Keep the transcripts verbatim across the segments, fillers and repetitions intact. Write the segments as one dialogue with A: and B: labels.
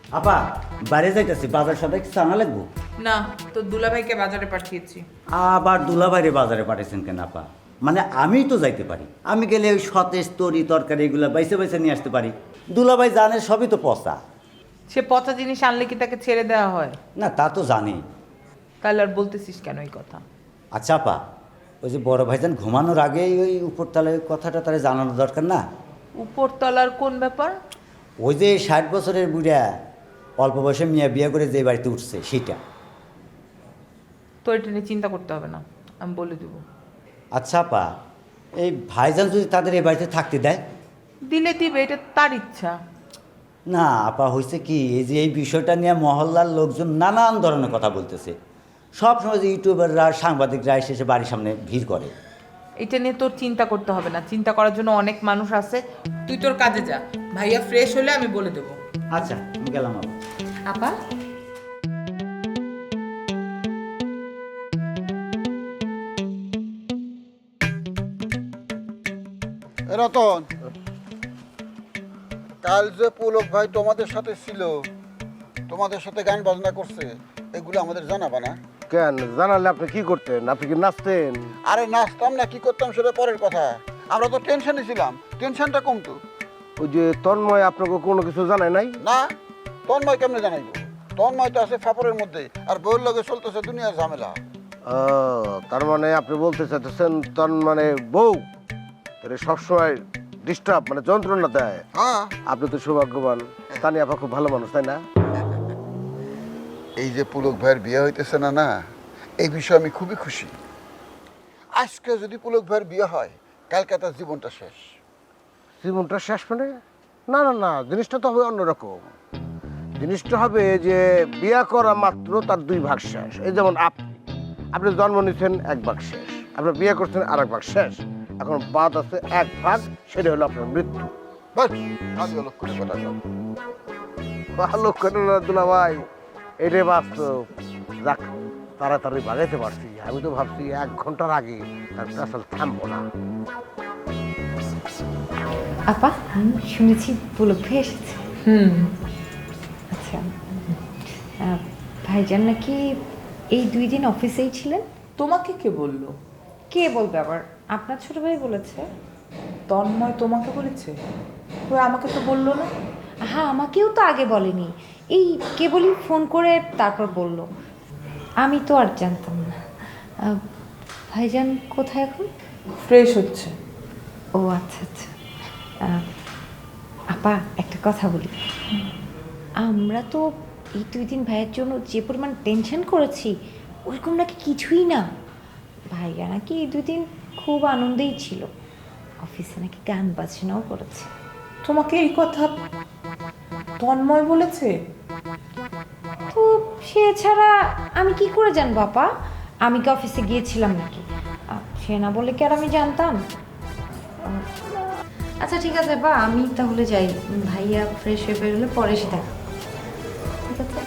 A: আপা বাইরে যাইতেছি, বাজার সদাই কিছু আনা লাগবো?
B: না, তো দুলাভাইকে বাজারে পাঠিয়েছি।
A: আবার দুলাভাইরে বাজারে পাঠাইছেন কেন আপা? মানে আমিই তো যাইতে পারি, আমি গেলে ওই সতেজ তরি তরকারি এগুলো বাইসে বাইসে নিয়ে আসতে পারি। দুলাভাই জানে সবই তো পচা।
B: সে পচা জিনিস আনলে কি তাকে ছেড়ে দেওয়া হয়?
A: না তা তো জানি।
B: তাহলে আর বলতেছিস কেন এই কথা?
A: আচ্ছা আপা, ওই যে বড় ভাইজান ঘুমানোর আগেই ওই উপরতলায় ওই কথাটা তারা জানানো দরকার না?
B: উপরতলার কোন ব্যাপার?
A: ওই যে ষাট বছরের বুড়া অল্প বয়সে মিয়া বিয়ে করে যে বাড়িতে উঠছে সেইটা।
B: তো এটা নিয়ে চিন্তা করতে হবে না, আমি বলে দেব।
A: আচ্ছা আপা, এই ভাইজান যদি তাদের এই বাড়িতে থাকতে দেয়?
B: দিলে দিবে, এটা তার ইচ্ছা।
A: না আপা, হয়েছে কি, এই যে এই বিষয়টা নিয়ে মহল্লার লোকজন নানান ধরনের কথা বলতেছে। সব সময় যে ইউটিউবাররা সাংবাদিকরা এসে এসে বাড়ির সামনে ভিড় করে।
B: এটা নিয়ে তোর চিন্তা করতে হবে না, চিন্তা করার জন্য অনেক মানুষ আছে। তুই তোর কাজে যা, ভাইয়া ফ্রেশ হলে আমি বলে দেবো।
A: আচ্ছা আমি গেলাম আপা।
C: আপা
D: রতন, কাল যে পুলক ভাই তোমাদের সাথে ছিল, তোমাদের সাথে গান বাজনা করছে, এগুলো আমাদের জানাবা না?
E: কেন জানালে আপনি কি করতেন? আপনি কি নাচতেন?
D: আরে নাচতাম না, কি করতাম সেটা পরের কথা। আমরা তো টেনশনে ছিলাম, টেনশনটা কমতো।
E: ওই যে তন্ময় আপনাকে কোনো কিছু জানায় নাই?
D: না, তন্ময় কেমনে জানাইবো? তন্ময় তো আছে ফাপড়ের মধ্যে, আর বউয়ের লগে চলতেছে দুনিয়ার ঝামেলা।
E: ও, তার মানে আপনি বলতে চাইতেছেন তন মানে বউ এর সবসময় ডিস্টার্ব মানে যন্ত্রণা দেয়।
D: হ্যাঁ,
E: আপনি তো সৌভাগ্যবান, তানি আপা খুব ভালো মানুষ, তাই না?
D: এই যে পুলক ভাইয়ের বিয়ে হইতেছে না না, এই বিষয়ে আমি খুবই খুশি। আজকে যদি পুলক ভাইয়ের বিয়ে হয়, কালকে তার জীবনটা শেষ।
E: জীবনটা শেষ মানে? না না না, জিনিসটা তো হবে অন্যরকম। জিনিসটা হবে যে বিয়ে করা মাত্র তার দুই ভাগ শেষ। এই যেমন আপনি আপনি জন্ম নিয়েছেন এক ভাগ শেষ, আপনি বিয়ে করছেন আর এক ভাগ শেষ। এখন বাদ আছে এক ভাগ, সেটা হলো আপনার মৃত্যু।
D: বাস, আজ লোক করে কথা সব।
E: ভালো করে না দুলা ভাই, এটাই বাস্তব। যাক, তাড়াতাড়ি বাগাইতে পারছি। আমি তো ভাবছি এক ঘন্টার আগে তার আসলে থামবো না।
C: আপা শুনেছি পুলক ভাই এসেছে।
B: হুম,
C: আচ্ছা, আহ, ভাইজান নাকি এই দুই দিন অফিসেই ছিলেন?
B: তোমাকে কে বললো?
C: কে বলবে আবার? আপনার ছোট ভাই বলেছে।
B: তন্ময় তোমাকে বলেছে? ওই আমাকে তো বললো না।
C: হ্যাঁ, আমাকেও তো আগে বলেনি, এই কেবলই ফোন করে তারপর বলল। আমি তো আর জানতাম না। আহ, ভাইজান কোথায় এখন?
B: ফ্রেশ হচ্ছে।
C: ও আচ্ছা আচ্ছা। আহ, আপা একটা কথা বলি, আমরা তো এই দুই দিন ভাইয়ের জন্য যে পরিমাণ টেনশন করেছি, ওইরকম নাকি কিছুই না। ভাইয়া নাকি এই দুই দিন খুব আনন্দেই ছিল, অফিসে নাকি গান বাজনাও করেছে।
B: তোমাকে এই কথা তন্ময় বলেছে?
C: তো সে ছাড়া আমি কি করে জানবো আপা? আমি কি অফিসে গিয়েছিলাম নাকি? আহ, সে না বলে কি আর আমি জানতাম? আহ, আচ্ছা ঠিক আছে বা, আমি তাহলে যাই। ভাইয়া ফ্রেশ হয়ে বেরোলে পরে এসে দেখা। ঠিক আছে।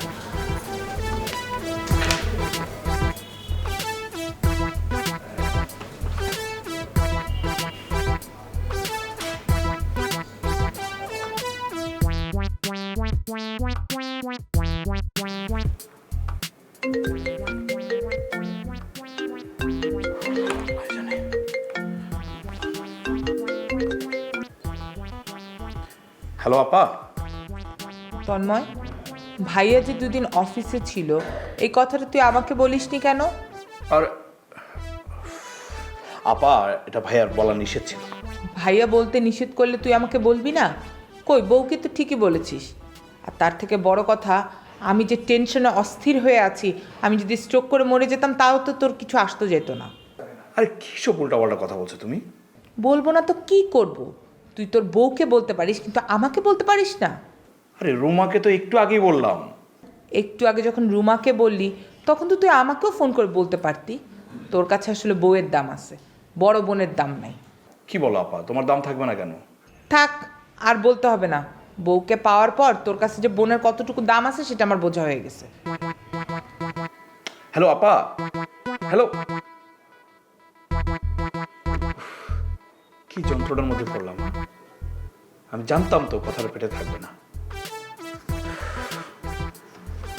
F: হ্যালো আপা।
B: তন্ময়, ভাইয়া যে দুদিন অফিসে ছিল, এই কথাটা তুই আমাকে বলিসনি কেন?
F: আর আপা, এটা ভাইয়ার বলা নিষেধ ছিল।
B: ভাইয়া বলতে নিষেধ করলে তুই আমাকে বলবি না? কই, বউকে তো ঠিকই বলেছিস। আর তার থেকে বড় কথা, আমি যে টেনশনে অস্থির হয়ে আছি, আমি যদি স্ট্রোক করে মরে যেতাম তাও তো তোর কিছু আসতে যেত না।
F: আরে কী সব উল্টাপাল্টা কথা বলছো তুমি?
B: বলবো না তো কি করব? তুই তোর বউকে বলতে পারিস, কিন্তু আমাকে বলতে পারিস না।
F: আরে রুমাকে তো একটু আগেই বললাম।
B: একটু আগে যখন রুমাকে বললি, তখন তো তুই আমাকেও ফোন করে বলতে পারতি। তোর কাছে আসলে বউয়ের দাম আছে, বড় বোনের দাম নাই।
F: কি বলো আপা, তোমার দাম থাকবে না কেন?
B: থাক, আর বলতে হবে না। বউকে পাওয়ার পর তোর কাছে যে বোনের কতটুকু দাম আছে সেটা আমার বোঝা হয়ে গেছে।
F: হ্যালো আপা, হ্যালো। কি যন্ত্রণার মধ্যে পড়লাম। আমি জানতাম তো কথাটা পেটে থাকবে না।